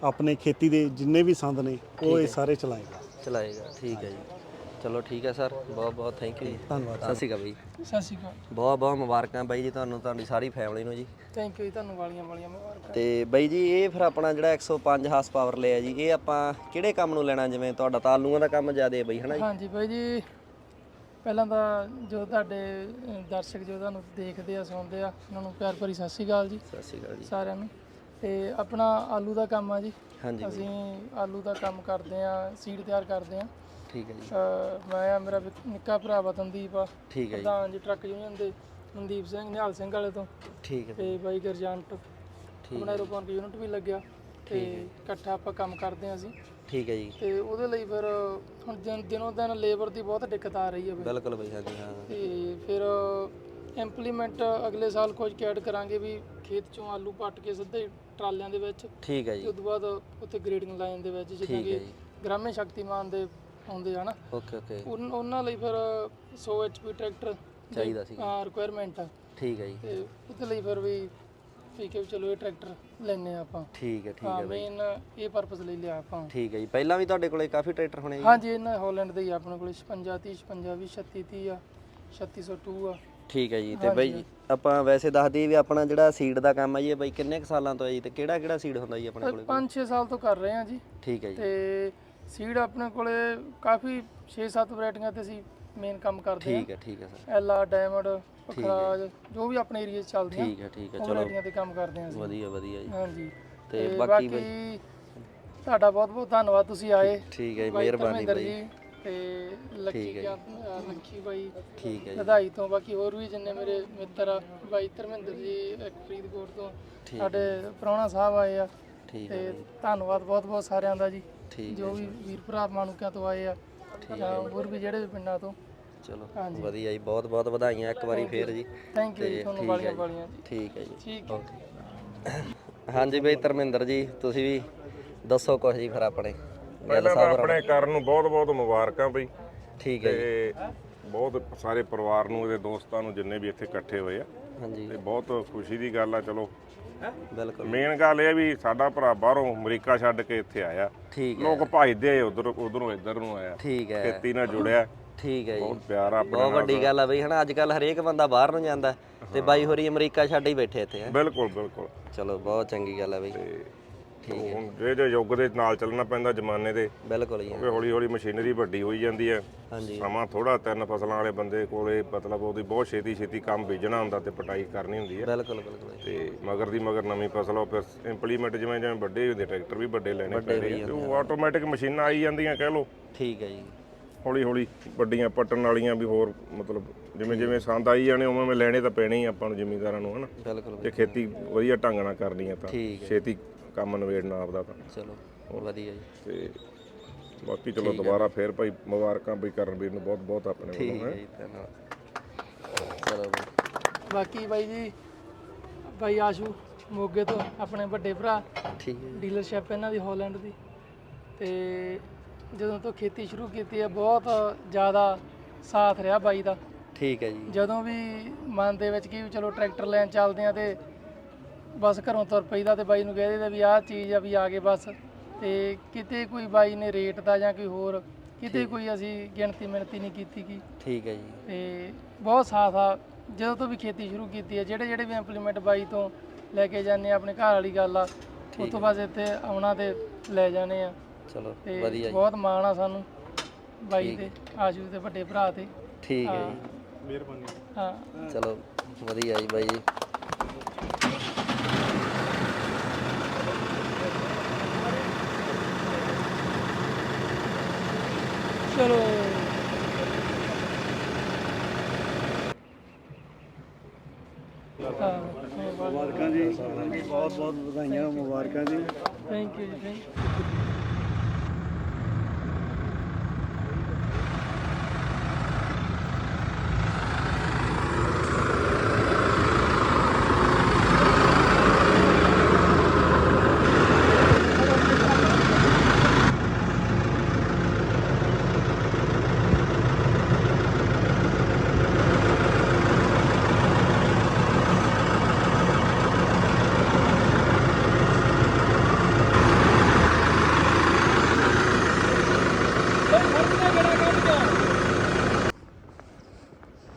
Speaker 1: ਆਪਣੇ ਖੇਤੀ ਦੇ ਜਿੰਨੇ ਵੀ ਸੰਦ ਨੇ ਉਹ ਇਹ ਸਾਰੇ ਚਲਾਏਗਾ।
Speaker 4: ਠੀਕ ਹੈ ਜੀ। ਚਲੋ ਠੀਕ ਹੈ ਸਰ, ਬਹੁਤ ਬਹੁਤ ਥੈਂਕ ਯੂ ਜੀ।
Speaker 1: ਧੰਨਵਾਦ।
Speaker 4: ਸਤਿ ਸ਼੍ਰੀ ਅਕਾਲ ਬਾਈ।
Speaker 2: ਸਤਿ ਸ਼੍ਰੀ ਅਕਾਲ।
Speaker 4: ਬਹੁਤ ਬਹੁਤ ਮੁਬਾਰਕਾਂ ਬਾਈ ਜੀ ਤੁਹਾਨੂੰ, ਤੁਹਾਡੀ ਸਾਰੀ ਫੈਮਿਲੀ ਨੂੰ ਜੀ।
Speaker 2: ਥੈਂਕ ਯੂ ਜੀ, ਤੁਹਾਨੂੰ ਵਾਲੀਆਂ ਮੁਬਾਰਕਾਂ।
Speaker 4: ਤੇ ਬਾਈ ਜੀ ਇਹ ਫਿਰ ਆਪਣਾ ਜਿਹੜਾ 105 ਹਾਰਸ ਪਾਵਰ ਲਿਆ ਜੀ, ਇਹ ਆਪਾਂ ਕਿਹੜੇ ਕੰਮ ਨੂੰ ਲੈਣਾ? ਜਿਵੇਂ ਤੁਹਾਡਾ ਤਾਂ ਆਲੂਆਂ ਦਾ ਕੰਮ ਜ਼ਿਆਦਾ ਹੈ ਬਾਈ, ਹਨਾ ਜੀ?
Speaker 2: ਹਾਂਜੀ ਬਾਈ ਜੀ, ਪਹਿਲਾਂ ਤਾਂ ਜੋ ਤੁਹਾਡੇ ਦਰਸ਼ਕ ਜੋ ਤੁਹਾਨੂੰ ਦੇਖਦੇ ਆ ਸੁਣਦੇ ਆ ਉਹਨਾਂ ਨੂੰ ਪਿਆਰ ਭਰੀ ਸਤਿ ਸ਼੍ਰੀ ਅਕਾਲ ਜੀ।
Speaker 4: ਸਤਿ ਸ਼੍ਰੀ ਅਕਾਲ ਜੀ
Speaker 2: ਸਾਰਿਆਂ ਨੂੰ। ਤੇ ਆਪਣਾ ਆਲੂ ਦਾ ਕੰਮ ਆ ਜੀ।
Speaker 4: ਹਾਂਜੀ
Speaker 2: ਅਸੀਂ ਆਲੂ ਦਾ ਕੰਮ ਕਰਦੇ ਆ, ਸੀਡ ਤਿਆਰ ਕਰਦੇ ਆ।
Speaker 4: ਠੀਕ ਹੈ ਜੀ।
Speaker 2: ਮੈਂ ਆ, ਮੇਰਾ ਨਿੱਕਾ ਭਰਾ ਵਤਨਦੀਪ ਆ,
Speaker 4: ਠੀਕ ਹੈ ਜੀ।
Speaker 2: ਪ੍ਰਧਾਨ ਜੀ ਟਰੱਕ ਯੂਨੀਅਨ ਦੇ ਮਨਦੀਪ ਸਿੰਘ, ਨਿਹਾਲ ਸਿੰਘ ਵਾਲੇ ਤੋਂ।
Speaker 4: ਠੀਕ ਹੈ
Speaker 2: ਤੇ ਬਾਈ ਗਰਜੰਟ ਆਪਣਾ ਐਰੋਪੋਨ ਯੂਨਿਟ ਵੀ ਲੱਗਿਆ ਤੇ ਇਕੱਠਾ ਆਪਾਂ ਕੰਮ ਕਰਦੇ ਆ ਅਸੀਂ।
Speaker 4: ਠੀਕ ਹੈ ਜੀ।
Speaker 2: ਤੇ ਉਹਦੇ ਲਈ ਫਿਰ ਹੁਣ ਦਿਨੋਂ ਦਿਨ ਲੇਬਰ ਦੀ ਬਹੁਤ ਦਿੱਕਤ ਆ ਰਹੀ ਹੈ ਬਈ।
Speaker 4: ਬਿਲਕੁਲ ਬਈ, ਹਾਂਜੀ ਹਾਂ।
Speaker 2: ਤੇ ਫਿਰ ਇੰਪਲੀਮੈਂਟ ਅਗਲੇ ਸਾਲ ਕੁਝ ਐਡ ਕਰਾਂਗੇ ਵੀ ਖੇਤ ਚੋਂ ਆਲੂ ਪੱਟ ਕੇ ਸਿੱਧੇ ਟਰਾਲਿਆਂ ਦੇ ਵਿੱਚ।
Speaker 4: ਠੀਕ ਹੈ
Speaker 2: ਤੇ
Speaker 4: ਜੀ।
Speaker 2: ਉਸ ਤੋਂ ਬਾਅਦ ਉੱਥੇ ਗ੍ਰੇਡਿੰਗ ਲਾਈਨ ਦੇ ਵਿੱਚ ਜਿੱਦਾਂ ਕਿ ਗ੍ਰਾਮੇ ਸ਼ਕਤੀਮਾਨ ਦੇ ਆਉਂਦੇ ਆ ਨਾ,
Speaker 4: ਓਕੇ
Speaker 2: ਉਹਨਾਂ ਲਈ ਫਿਰ 100 HP ਟਰੈਕਟਰ
Speaker 4: ਚਾਹੀਦਾ ਸੀ।
Speaker 2: ਹਾਂ, ਰਿਕੁਆਇਰਮੈਂਟ ਆ।
Speaker 4: ਠੀਕ ਹੈ ਜੀ।
Speaker 2: ਤੇ ਉਹਦੇ ਲਈ ਫਿਰ ਵੀ ਠੀਕ ਹੈ, ਚਲੋ ਇਹ ਟਰੈਕਟਰ ਲੈਣੇ ਆਪਾਂ।
Speaker 4: ਠੀਕ ਹੈ
Speaker 2: ਹਾਂ, ਮੇਨ ਇਹ ਪਰਪਸ ਲਈ ਲਿਆ ਆਪਾਂ।
Speaker 4: ਠੀਕ ਹੈ ਜੀ। ਪਹਿਲਾਂ ਵੀ ਤੁਹਾਡੇ ਕੋਲੇ ਕਾਫੀ ਟਰੈਕਟਰ ਹੋਣੇ ਜੀ?
Speaker 2: ਹਾਂਜੀ, ਇਹਨਾਂ ਹਾਲੈਂਡ ਦੇ ਹੀ ਆਪਣੇ ਕੋਲ 56 30 56 20 36 30 ਆ, 3602 ਆ।
Speaker 4: ਠੀਕ ਹੈ ਜੀ। ਤੇ ਬਾਈ ਜੀ ਆਪਾਂ ਵੈਸੇ ਦੱਸ ਦਈਏ ਵੀ ਆਪਣਾ ਜਿਹੜਾ ਸੀਡ ਦਾ ਕੰਮ ਹੈ ਜੀ, ਬਾਈ ਕਿੰਨੇ ਕੁ ਸਾਲਾਂ ਤੋਂ ਹੈ ਜੀ, ਤੇ ਕਿਹੜਾ ਕਿਹੜਾ ਸੀਡ ਹੁੰਦਾ ਜੀ ਆਪਣੇ ਕੋਲੇ?
Speaker 2: 5-6 ਸਾਲ ਤੋਂ ਕਰ ਰਹੇ ਆ ਜੀ।
Speaker 4: ਠੀਕ ਹੈ ਜੀ।
Speaker 2: ਤੇ ਸੀਡ ਆਪਣੇ ਕੋਲੇ ਕਾਫੀ 6-7 ਵੈਰਾਈਟੀਆਂ ਤੇ ਅਸੀਂ ਮੇਨ ਕੰਮ ਕਰਦੇ ਆ।
Speaker 4: ਠੀਕ ਹੈ ਸਰ।
Speaker 2: ਐਲਾ, ਡਾਇਮੰਡ, ਪਖਰਾਜ, ਜੋ ਵੀ ਆਪਣੇ ਏਰੀਆ 'ਚ ਚੱਲਦੀਆਂ।
Speaker 4: ਠੀਕ ਹੈ
Speaker 2: ਚਲੋ ਵੈਰਾਈਟੀਆਂ ਤੇ ਕੰਮ ਕਰਦੇ ਆ ਅਸੀਂ।
Speaker 4: ਵਧੀਆ ਜੀ।
Speaker 2: ਹਾਂਜੀ।
Speaker 4: ਤੇ
Speaker 2: ਬਾਕੀ ਤੁਹਾਡਾ ਬਹੁਤ ਬਹੁਤ ਧੰਨਵਾਦ, ਤੁਸੀਂ ਆਏ।
Speaker 4: ਠੀਕ ਹੈ ਜੀ, ਮਿਹਰਬਾਨੀ ਬਾਈ
Speaker 2: ਜੀ। ਤੇ ਲੱਖੀ ਬਾਈ
Speaker 4: ਠੀਕ ਹੈ ਜੀ।
Speaker 2: ਵਧਾਈ ਤੋਂ, ਬਾਕੀ ਹੋਰ ਵੀ ਜਿੰਨੇ ਮੇਰੇ ਮਿੱਤਰ ਆ, ਬਾਈ ਧਰਮਿੰਦਰ ਜੀ ਇੱਕ ਫਰੀਦਕੋਟ ਤੋਂ, ਸਾਡੇ ਪ੍ਰਾਹੁਣਾ ਸਾਹਿਬ ਆਏ ਆ। ਤੇ ਧੰਨਵਾਦ ਬਹੁਤ ਬਹੁਤ ਸਾਰਿਆਂ ਦਾ ਜੀ, ਜੋ ਵੀ ਵੀਰ ਭਰਾ ਮਾਨੂਕਿਆਂ ਤੋਂ ਆਏ ਆ ਜਾਂ ਹੋਰ ਵੀ ਜਿਹੜੇ ਪਿੰਡਾਂ ਤੋਂ।
Speaker 4: ਚਲੋ ਵਧੀਆ ਜੀ, ਬਹੁਤ ਬਹੁਤ ਵਧਾਈਆਂ ਇੱਕ ਵਾਰੀ ਫੇਰ ਜੀ।
Speaker 2: ਥੈਂਕ ਯੂ ਜੀ, ਤੁਹਾਨੂੰ ਵਾਲੀਆਂ ਜੀ।
Speaker 4: ਠੀਕ ਹੈ ਜੀ।
Speaker 2: ਠੀਕ ਹੈ।
Speaker 4: ਹਾਂਜੀ ਬਾਈ ਧਰਮਿੰਦਰ ਜੀ, ਤੁਸੀਂ ਵੀ ਦੱਸੋ ਕੁਝ ਜੀ ਫਿਰ ਆਪਣੇ।
Speaker 3: ਪਹਿਲਾਂ ਤਾਂ ਆਪਣੇ ਕਰਨ ਨੂੰ ਬਹੁਤ ਬਹੁਤ ਮੁਬਾਰਕਾਂ ਬਈ।
Speaker 4: ਠੀਕ ਹੈ ਜੀ।
Speaker 3: ਤੇ ਬਹੁਤ ਸਾਰੇ ਪਰਿਵਾਰ ਨੂੰ, ਇਹਦੇ ਦੋਸਤਾਂ ਨੂੰ, ਜਿੰਨੇ ਵੀ ਇੱਥੇ ਇਕੱਠੇ ਹੋਏ ਆ।
Speaker 4: ਹਾਂਜੀ।
Speaker 3: ਤੇ ਬਹੁਤ ਖੁਸ਼ੀ ਦੀ ਗੱਲ ਆ। ਚਲੋ
Speaker 4: ਬਿਲਕੁਲ।
Speaker 3: ਮੇਨ ਗੱਲ ਇਹ ਵੀ ਸਾਡਾ ਭਰਾ ਬਾਹਰੋਂ ਅਮਰੀਕਾ ਛੱਡ ਕੇ ਇੱਥੇ ਆਇਆ।
Speaker 4: ਠੀਕ ਹੈ।
Speaker 3: ਲੋਕ ਭਜਦੇ ਆ ਉਧਰੋਂ ਇੱਧਰ ਨੂੰ ਆਇਆ।
Speaker 4: ਠੀਕ ਹੈ।
Speaker 3: ਖੇਤੀ ਨਾਲ ਜੁੜਿਆ।
Speaker 4: ਠੀਕ ਹੈ ਜੀ।
Speaker 3: ਬਹੁਤ ਪਿਆਰ ਆ।
Speaker 4: ਬਹੁਤ ਵੱਡੀ ਗੱਲ ਆ ਬਈ, ਹਨਾ ਅੱਜ ਕੱਲ ਹਰੇਕ ਬੰਦਾ ਬਾਹਰ ਨੂੰ ਜਾਂਦਾ ਤੇ ਬਾਈ ਹੋਰੀ ਅਮਰੀਕਾ ਛੱਡ ਹੀ ਬੈਠੇ ਇੱਥੇ।
Speaker 3: ਬਿਲਕੁਲ।
Speaker 4: ਚਲੋ ਬਹੁਤ ਚੰਗੀ ਗੱਲ ਆ ਬਈ।
Speaker 3: ਠੀਕ ਹੈ। ਹੁਣ ਜਿਹੜੇ ਯੁੱਗ ਦੇ ਨਾਲ ਚੱਲਣਾ ਪੈਂਦਾ, ਜ਼ਮਾਨੇ ਦੇ।
Speaker 4: ਬਿਲਕੁਲ ਜੀ।
Speaker 3: ਕਿਉਂਕਿ ਹੌਲੀ ਹੌਲੀ ਮਸ਼ੀਨਰੀ ਵੱਡੀ ਹੋਈ ਜਾਂਦੀ ਹੈ।
Speaker 4: ਹਾਂਜੀ।
Speaker 3: ਸਮਾਂ ਥੋੜਾ, 3 ਫਸਲਾਂ ਵਾਲੇ ਬੰਦੇ ਕੋਲੇ ਮਤਲਬ ਉਹਦੀ ਬਹੁਤ ਛੇਤੀ ਕੰਮ ਬੀਜਣਾ ਹੁੰਦਾ ਤੇ ਪਟਾਈ ਕਰਨੀ ਹੁੰਦੀ ਹੈ।
Speaker 4: ਬਿਲਕੁਲ
Speaker 3: ਤੇ ਮਗਰ ਦੀ ਮਗਰ ਨਵੀਂ ਫਸਲ ਉਹ ਫਿਰ ਇੰਪਲੀਮੈਂਟ ਜਿਵੇਂ ਵੱਡੇ ਹੁੰਦੇ, ਟਰੈਕਟਰ ਵੀ ਵੱਡੇ ਲੈਣੇ ਪੈਂਦੇ ਆ ਤੇ ਉਹ ਆਟੋਮੈਟਿਕ ਮਸ਼ੀਨਾਂ ਆਈ ਜਾਂਦੀਆਂ ਕਹਿ ਲਓ।
Speaker 4: ਠੀਕ ਹੈ ਜੀ।
Speaker 3: ਹੌਲੀ ਵੱਡੀਆਂ ਪੱਟਣ ਵਾਲੀਆਂ ਵੀ ਹੋਰ, ਮਤਲਬ ਜਿਵੇਂ ਸੰਦ ਆਈ ਜਾਣੇ ਉਵੇਂ ਲੈਣੇ ਤਾਂ ਪੈਣੇ ਹੀ ਆਪਾਂ ਨੂੰ ਜ਼ਿਮੀਂਦਾਰਾਂ ਨੂੰ, ਹਨਾ।
Speaker 4: ਬਿਲਕੁਲ।
Speaker 3: ਜੇ ਖੇਤੀ ਵਧੀਆ ਢੰਗ ਨਾਲ ਕਰਨੀ ਆ ਤਾਂ
Speaker 4: ਠੀਕ ਹੈ।
Speaker 3: ਛੇਤੀ ਕੰਮ ਨਵੇੜਨਾ ਆਪਦਾ ਤਾਂ।
Speaker 4: ਚਲੋ ਵਧੀਆ ਜੀ।
Speaker 3: ਤੇ ਬਾਕੀ ਚਲੋ ਦੁਬਾਰਾ ਫੇਰ ਭਾਈ ਮੁਬਾਰਕਾਂ ਬਈ ਕਰਨਵੀਰ ਨੂੰ ਬਹੁਤ ਬਹੁਤ ਆਪਣੇ ਵੱਲੋਂ।
Speaker 4: ਠੀਕ ਹੈ ਜੀ, ਧੰਨਵਾਦ। ਚਲੋ ਬਾਈ।
Speaker 2: ਬਾਕੀ ਬਾਈ ਜੀ, ਬਾਈ ਆਸ਼ੂ ਮੋਗੇ ਤੋਂ ਆਪਣੇ ਵੱਡੇ ਭਰਾ,
Speaker 4: ਠੀਕ ਹੈ।
Speaker 2: ਡੀਲਰਸ਼ਿਪ ਇਹਨਾਂ ਦੀ ਹਾਲੈਂਡ ਦੀ। ਤੇ ਜਦੋਂ ਤੋਂ ਖੇਤੀ ਸ਼ੁਰੂ ਕੀਤੀ ਹੈ ਬਹੁਤ ਜ਼ਿਆਦਾ ਸਾਥ ਰਿਹਾ ਬਾਈ ਦਾ।
Speaker 4: ਠੀਕ ਹੈ ਜੀ।
Speaker 2: ਜਦੋਂ ਵੀ ਮਨ ਦੇ ਵਿੱਚ ਕੀ ਚਲੋ ਟਰੈਕਟਰ ਲੈਣ ਚੱਲਦੇ ਆ ਤੇ ਬਸ ਘਰੋਂ ਤੁਰ ਪਈਦਾ ਤੇ ਬਾਈ ਨੂੰ ਕਹਿ ਦਿੰਦੇ ਵੀ ਆਹ ਚੀਜ਼ ਆ ਵੀ ਆ ਗਏ ਬਸ। ਤੇ ਕਿਤੇ ਕੋਈ ਬਾਈ ਨੇ ਰੇਟ ਦਾ ਜਾਂ ਕੋਈ ਹੋਰ ਕਿਤੇ ਕੋਈ ਅਸੀਂ ਗਿਣਤੀ ਮਿਣਤੀ ਨਹੀਂ ਕੀਤੀ ਗੀ।
Speaker 4: ਠੀਕ ਹੈ ਜੀ।
Speaker 2: ਤੇ ਬਹੁਤ ਸਾਥ ਆ ਜਦੋਂ ਤੋਂ ਵੀ ਖੇਤੀ ਸ਼ੁਰੂ ਕੀਤੀ ਹੈ। ਜਿਹੜੇ ਵੀ ਇੰਪਲੀਮੈਂਟ ਬਾਈ ਤੋਂ ਲੈ ਕੇ ਜਾਂਦੇ ਆ, ਆਪਣੇ ਘਰ ਵਾਲੀ ਗੱਲ ਆ, ਉਸ ਤੋਂ ਬਾਅਦ ਇੱਥੇ ਆਉਣਾ ਤੇ ਲੈ ਜਾਣੇ ਆ।
Speaker 4: ਚਲੋ
Speaker 2: ਤੇ
Speaker 4: ਵਧੀਆ ਜੀ।
Speaker 2: ਬਹੁਤ ਮਾਣ ਆ ਸਾਨੂੰ ਬਾਈ ਤੇ, ਆਸ਼ੂ ਦੇ ਵੱਡੇ ਭਰਾ ਤੇ।
Speaker 4: ਠੀਕ ਹੈ ਜੀ।
Speaker 1: ਮਿਹਰਬਾਨੀ।
Speaker 2: ਹਾਂ
Speaker 4: ਚਲੋ ਵਧੀਆ ਜੀ ਬਾਈ ਜੀ।
Speaker 2: ਚਲੋ
Speaker 1: ਮੁਬਾਰਕਾਂ ਜੀ, ਬਹੁਤ ਬਹੁਤ ਵਧਾਈਆਂ, ਮੁਬਾਰਕਾਂ ਜੀ।
Speaker 2: ਥੈਂਕ ਯੂ ਜੀ, ਥੈਂਕ ਯੂ।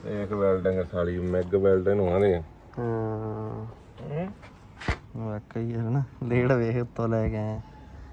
Speaker 3: ਇੱਕ ਵੈਲਡਿੰਗ ਸਾਲੀ ਮੈਗ ਵੈਲਡਿੰਗ ਨੂੰ ਆਂਦੇ ਆ।
Speaker 4: ਹਾਂ ਵਾਕਈ ਹੈ ਨਾ, ਲੇੜ ਵੇਖ ਉੱਤੋਂ ਲੈ ਕੇ ਆਏ।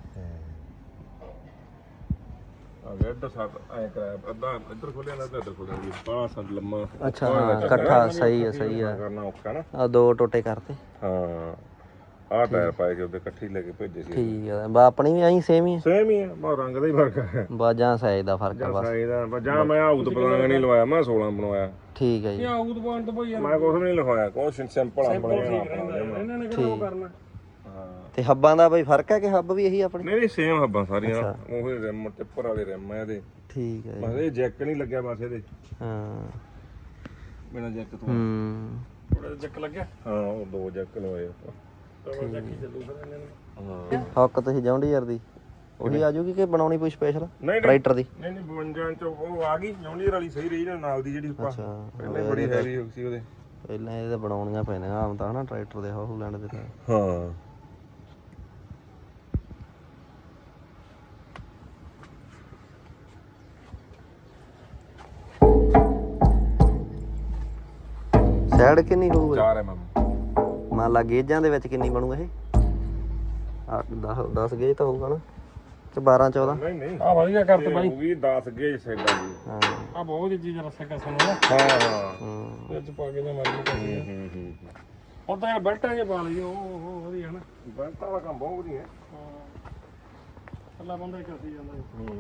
Speaker 3: ਇੱਧਰ ਸੱਤ ਐ ਕਰਾਇਆ, ਅੱਧਾ ਇੱਧਰ ਖੋਲਿਆ ਨਾ ਇੱਧਰ ਖੋਲਿਆ ਜੀ, ਬਾਹਲਾ ਸੱਤ ਲੰਮਾ।
Speaker 4: ਅੱਛਾ ਹਾਂ ਇਕੱਠਾ, ਸਹੀ ਆ ਸਹੀ ਆ,
Speaker 3: ਕਰਨਾ ਔਖਾ ਨਾ।
Speaker 4: ਆ ਦੋ ਟੋਟੇ ਕਰਤੇ।
Speaker 3: ਹਾਂ ਆਹ ਟਾਇਰ ਪਾਏ ਕੇ ਉਹਦੇ ਇਕੱਠੇ ਲੈ ਕੇ ਭੇਜੇ ਸੀ।
Speaker 4: ਠੀਕ ਆ, ਬਾ ਆਪਣੀ ਵੀ ਐਂ ਸੇਮ ਹੀ ਆ।
Speaker 3: ਸੇਮ ਹੀ ਆ, ਬਾ ਰੰਗ ਦਾ ਹੀ ਫਰਕ ਹੈ।
Speaker 4: ਬਾਜਾਂ ਸਾਈਜ਼ ਦਾ ਫਰਕ ਆ ਬਸ।
Speaker 3: ਸਾਈਜ਼ ਦਾ ਜਾਂ ਮੈਂ ਆਊਤ ਪਲਾਂਗ ਨਹੀਂ ਲਵਾਇਆ, ਮੈਂ 16 ਬਣਵਾਇਆ।
Speaker 4: ਠੀਕ ਹੈ ਜੀ।
Speaker 2: ਆਊਟ ਪਾਉਣ ਤੋਂ ਭਾਈ
Speaker 3: ਮੈਂ ਕੁਝ ਨਹੀਂ ਲਿਖਵਾਇਆ, ਕੁਛ ਸਿੰਪਲ ਆ ਬਣਾਇਆ।
Speaker 2: ਇਹਨਾਂ ਨੇ ਕਿਹੜਾ ਉਹ ਕਰਨਾ।
Speaker 3: ਹਾਂ
Speaker 4: ਤੇ ਹੱਬਾਂ ਦਾ ਬਈ ਫਰਕ ਹੈ ਕਿ ਹੱਬ ਵੀ ਇਹੀ ਆਪਣੇ?
Speaker 3: ਨਹੀਂ ਸੇਮ ਹੱਬਾਂ ਸਾਰੀਆਂ, ਉਹੀ ਰਿਮ ਟਿੱਪਰ ਵਾਲੇ ਰਿਮ ਆ ਇਹਦੇ।
Speaker 4: ਠੀਕ ਹੈ
Speaker 3: ਬਸ ਇਹ ਜੈਕ ਨਹੀਂ ਲੱਗਿਆ ਬਸ ਇਹਦੇ।
Speaker 4: ਹਾਂ
Speaker 3: ਬਿਨਾਂ ਜੈਕ ਤੋਂ
Speaker 2: ਥੋੜਾ ਜਿਹਾ ਜੱਕ ਲੱਗਿਆ।
Speaker 3: ਹਾਂ ਉਹ ਦੋ ਜੈਕ ਲਵਾਏ ਆਪਾਂ।
Speaker 2: ਡਬਲ ਜੱਕ ਹੀ ਚੱਲੂ ਫਿਰ ਇਹਨਾਂ ਨੂੰ।
Speaker 3: ਹਾਂ
Speaker 4: ਹੱਕ ਤੁਸੀਂ ਜੌਂਡੀਅਰ ਦੀ ਉਹੀ ਆ ਜੂਗੀ ਕਿ ਬਣਾਉਣੀ ਕੋਈ ਸਪੈਸ਼ਲ
Speaker 3: ਨਹੀਂ
Speaker 4: ਟਰੈਕਟਰ ਦੀ?
Speaker 3: ਨਹੀਂ 52 ਚ ਉਹ ਆ ਗਈ ਜੌਂਡੀਅਰ ਵਾਲੀ ਸਹੀ ਰਹੀ ਨਾਲ ਦੀ ਜਿਹੜੀ ਆਪਾਂ
Speaker 4: ਅੱਛਾ
Speaker 3: ਪਹਿਲਾਂ ਬੜੀ ਹੈਵੀ ਹੋ ਸੀ ਉਹਦੇ।
Speaker 4: ਪਹਿਲਾਂ ਇਹਦੇ ਬਣਾਉਣੀਆਂ ਪੈਣੀਆਂ ਆਮ ਤਾਂ ਹਨਾ ਟਰੈਕਟਰ ਦੇ ਹੌਲੈਂਡ ਦੇ ਤਾਂ।
Speaker 3: ਹਾਂ
Speaker 4: ਸਾਈਡ ਕਿੰਨੀ ਹੋਊਗੀ?
Speaker 3: 4 mm
Speaker 4: ਮੰਨ ਲਾ ਗੇਜਾਂ ਦੇ ਵਿੱਚ ਕਿੰਨੀ ਬਣੂ ਇਹ? 10 ਗੇਜ ਤਾਂ ਹੋਊਗਾ ਨਾ ਕਿ 12 14?
Speaker 3: ਨਹੀਂ ਨਹੀਂ
Speaker 2: ਆ ਵਧੀਆ ਕਰਤ ਬਾਈ।
Speaker 3: ਉਹ ਵੀ 10 ਗੇਜ ਸੈਡਾਂ ਦੀ।
Speaker 4: ਹਾਂ
Speaker 2: ਆ ਬਹੁਤ ਜੀ ਚੀਜ਼ ਰਸਾ ਕਸਨ ਨਾ
Speaker 3: ਹਾਂ ਹਾਂ
Speaker 2: ਵਿੱਚ ਪਾ ਕੇ ਜਾਂ ਮਰਜ਼ੀ ਕਰੀ। ਹੁਣ ਤਾਂ ਯਾਰ ਬੈਲਟਾਂ ਜੇ ਪਾ ਲਈ ਉਹ ਵਧੀਆ ਨਾ।
Speaker 3: ਬੈਂਟਾਂ ਵਾਲਾ ਕੰਮ ਬਹੁਤ ਵਧੀਆ।
Speaker 2: ਅੱਲਾ ਬੰਦਾ ਹੀ ਕਰਦੀ ਜਾਂਦਾ।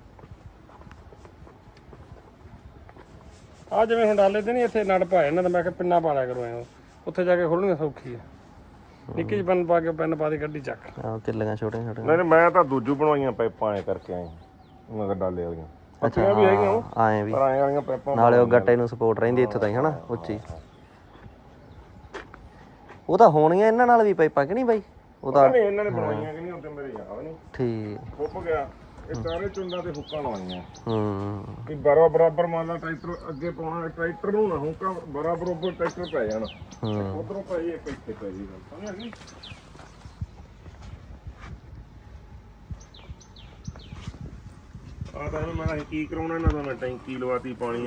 Speaker 2: ਆ ਜਿਵੇਂ ਹੁਣ ਡਾਲੇ ਤੇ ਨਹੀਂ ਇੱਥੇ ਨੜ ਪਾਏ ਇਹਨਾਂ ਦਾ, ਮੈਂ ਕਿਹਾ ਪਿੰਨਾ ਪਾ ਲਿਆ ਕਰੋ ਐ, ਉੱਥੇ ਜਾ ਕੇ ਖੋਲਣੀ ਸੌਖੀ ਆ। ਨਿੱਕੀ ਜਿਹੀ ਪੈਨ ਪਾ ਕੇ ਪੈਨ ਪਾ ਦੇ ਗੱਡੀ ਚੱਕ।
Speaker 4: ਹਾਂ ਕਿੱਲੀਆਂ ਛੋਟੀਆਂ ਛੋਟੀਆਂ।
Speaker 3: ਨਹੀਂ ਮੈਂ ਤਾਂ ਦੂਜੂ ਬਣਵਾਈਆਂ ਪਾਈਪਾਂ ਐ ਕਰਕੇ ਆਏ ਮਗਰ ਡਾਲੇ ਵਾਲੀਆਂ।
Speaker 4: ਅੱਛਾ
Speaker 3: ਵੀ ਹੈਗੀਆਂ ਉਹ
Speaker 4: ਆਏ ਵੀ
Speaker 3: ਪਰ ਆਏ ਵਾਲੀਆਂ ਪਾਈਪਾਂ
Speaker 4: ਨਾਲੇ ਉਹ ਗੱਟੇ ਨੂੰ ਸਪੋਰਟ ਰਹਿੰਦੀ ਇੱਥੇ ਤਾਂ ਹੀ ਹਨਾ ਉੱਚੀ। ਉਹ ਤਾਂ ਹੋਣੀਆਂ ਇਹਨਾਂ ਨਾਲ ਵੀ ਪਾਈਪਾਂ ਕਿ ਨਹੀਂ ਬਾਈ? ਉਹ ਤਾਂ
Speaker 3: ਨਹੀਂ ਇਹਨਾਂ ਨੇ ਬਣਵਾਈਆਂ ਕਿ ਨਹੀਂ ਹੁੰਦੇ ਮੇਰੇ ਯਾਦ ਨਹੀਂ।
Speaker 4: ਠੀਕ
Speaker 3: ਫੁੱਪ ਗਿਆ ਇਹ ਚਾਰੇ ਚੁੰਡਾਂ ਤੇ ਹੁੱਕਾਂ ਲਵਾਈਆਂ
Speaker 4: ਹੂੰ
Speaker 3: ਕਿ ਬਰਾਬਰ ਮੰਨ ਲਾ ਟਰੈਕਟਰ ਅੱਗੇ ਪਾਉਣਾ, ਟਰੈਕਟਰ ਨੂੰ ਨਾ ਹੁੱਕਾ ਬਰਾਬਰ ਟਰੈਕਟਰ ਪੈ ਜਾਣ। ਉਧਰੋਂ ਪੈ ਜੇ ਇੱਕ ਇੱਥੇ ਪੈ ਜੇ ਗੱਲ ਸਮਝ ਗਈ। ਆ ਤਾਂ ਮੈਂ ਕੀ ਕਰਾਉਣਾ ਇਹਨਾਂ ਦਾ, ਮੈਂ ਟੈਂਕੀ ਲਵਾਤੀ ਪਾਣੀ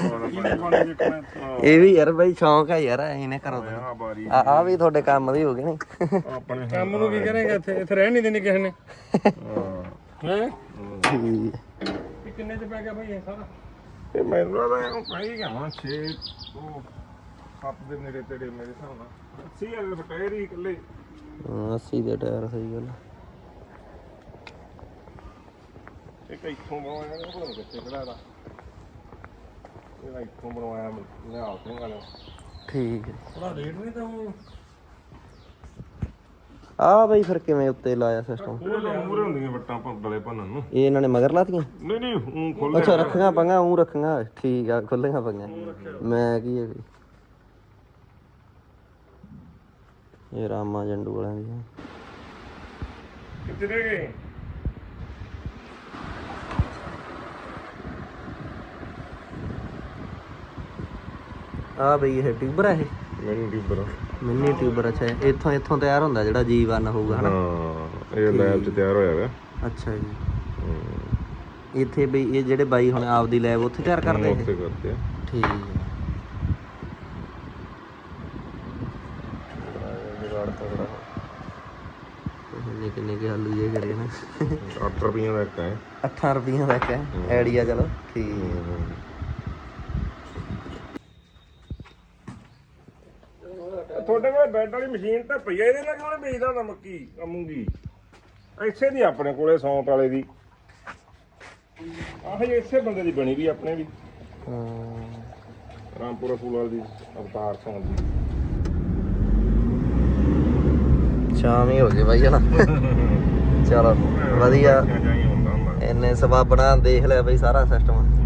Speaker 4: ਇਹ ਵੀ ਯਾਰ ਬਾਈ ਸ਼ੌਂਕ ਆ ਯਾਰ ਇਹਨੇ ਕਰੋ
Speaker 3: ਆ ਬਾਰੀ
Speaker 4: ਆ ਵੀ ਤੁਹਾਡੇ ਕੰਮ ਦੀ ਹੋ ਗਈ ਨਹੀਂ?
Speaker 3: ਆਪਣੇ
Speaker 2: ਕੰਮ ਨੂੰ ਕੀ ਕਰੇਗਾ ਇੱਥੇ? ਇੱਥੇ ਰਹਿਣ ਨਹੀਂ ਦੇਣੀ ਕਿਸੇ ਨੇ। ਹੈ
Speaker 4: ਠੀਕ
Speaker 2: ਇਹ ਕਿੰਨੇ ਚ ਪੈ ਗਿਆ ਭਾਈ ਇਹ ਸਾਰਾ?
Speaker 3: ਇਹ ਮੈਨੂੰ ਲੱਗਦਾ ਇਹਨੂੰ ਪੈ ਹੀ ਗਿਆ ਹੁਣ 6 ਤੋਂ 7 ਦੇ ਨੇੜੇ ਤੇੜੇ ਮੇਰੇ ਹਿਸਾਬ ਨਾਲ। 80 ਵਾਲੇ ਟਾਇਰ ਹੀ ਇਕੱਲੇ।
Speaker 4: 80 ਦੇ ਟਾਇਰ ਸਹੀ ਗੱਲ।
Speaker 3: ਇੱਕ ਇੱਥੋਂ ਬਣਵਾਇਆ ਨਾ, ਪਤਾ ਨਹੀਂ ਕਿੱਥੇ ਖੜਾ ਇਹਦਾ। ਇਹਦਾ ਇੱਥੋਂ ਬਣਵਾਇਆ ਨਿਹਾਲ ਸਿੰਘ ਵਾਲਾ।
Speaker 4: ਠੀਕ ਹੈ।
Speaker 2: ਥੋੜਾ ਰੇਟ ਨਹੀਂ ਤਾਂ ਉਹ
Speaker 4: ਆ ਬਈ ਫਿਰ ਕਿਵੇਂ ਉੱਤੇ ਲਾਇਆ ਸਿਸਟਮ?
Speaker 3: ਉਹ ਮੂਰੇ ਹੁੰਦੀਆਂ ਵੱਟਾਂ ਡਲੇ ਭੰਨਣ ਨੂੰ।
Speaker 4: ਇਹ ਇਹਨਾਂ ਨੇ ਮਗਰ ਲਾਤੀਆਂ?
Speaker 3: ਨਹੀਂ ਨਹੀਂ ਉਹ ਖੋਲ
Speaker 4: ਅੱਛਾ ਰੱਖੀਆਂ ਪੰਗਾ ਉਹ ਰੱਖੀਆਂ। ਠੀਕ ਆ ਖੁੱਲੀਆਂ ਪੰਗਾ। ਮੈਂ ਕੀ ਹੈ ਵੀ ਇਹ ਰਾਮਾ ਜੰਡੂ ਵਾਲਿਆਂ ਦੀ।
Speaker 3: ਕਿੱਥੇ ਰਹਿ ਗਏ?
Speaker 4: ਆ ਬਈ ਇਹ ਟਿਊਬਰ ਹੈ? ਇਹ
Speaker 3: ਮੈਨੂੰ ਟਿਊਬਰ।
Speaker 4: Mini tuber. ਅੱਛਾ ਇੱਥੋਂ ਤਿਆਰ ਹੁੰਦਾ ਜਿਹੜਾ G1 ਹੋਊਗਾ ਹਨਾ?
Speaker 3: ਹਾਂ ਇਹ ਲੈਬ 'ਚ ਤਿਆਰ ਹੋਇਆ ਵਾ।
Speaker 4: ਅੱਛਾ ਜੀ। ਇੱਥੇ ਬਈ ਇਹ ਜਿਹੜੇ ਬਾਈ ਹੁਣ ਆਪਦੀ ਲੈਬ ਉੱਥੇ ਤਿਆਰ ਕਰਦੇ ਇਹ?
Speaker 3: ਉੱਥੇ ਕਰਦੇ ਆ।
Speaker 4: ਠੀਕ ਹੈ। ਕਿੰਨੇ ਕੇ ਆਲੂ ਜੇ ਕਰੇ ਨਾ।
Speaker 3: 8 ਰੁਪਈਆਂ ਦਾ ਇੱਕ ਹੈ।
Speaker 4: 8 ਰੁਪਈਆਂ ਦਾ ਇੱਕ ਹੈ ਆਈਡੀਆ। ਚਲੋ ਠੀਕ
Speaker 3: ਤੁਹਾਡੇ ਕੋਲ ਬੈੱਡ ਵਾਲੀ ਮਸ਼ੀਨ ਤਾਂ ਪਈ ਆ, ਇਹਦੇ ਨਾਲ ਕਿਉਂ ਵੇਚਦਾ ਹੁੰਦਾ ਮੱਕੀ ਮੂੰਗੀ? ਇਸੇ ਦੀ ਆਪਣੇ ਕੋਲੇ ਸੌਂਤ ਵਾਲੇ ਦੀ। ਆਹ ਜੇ ਇਸੇ ਬੰਦੇ ਦੀ ਬਣੀ ਵੀ ਆਪਣੇ ਵੀ ਰਾਮਪੁਰਾ ਫੂਲ ਦੀ ਅਵਤਾਰ ਸਿੰਘ ਦੀ।
Speaker 4: ਸ਼ਾਮ ਹੀ ਹੋ ਗਈ ਬਾਈ ਹਨਾ। ਚਲੋ ਵਧੀਆ। ਇੰਨੇ ਸਵਾਬਣਾ ਦੇਖ ਲਿਆ ਬਈ ਸਾਰਾ ਸਿਸਟਮ।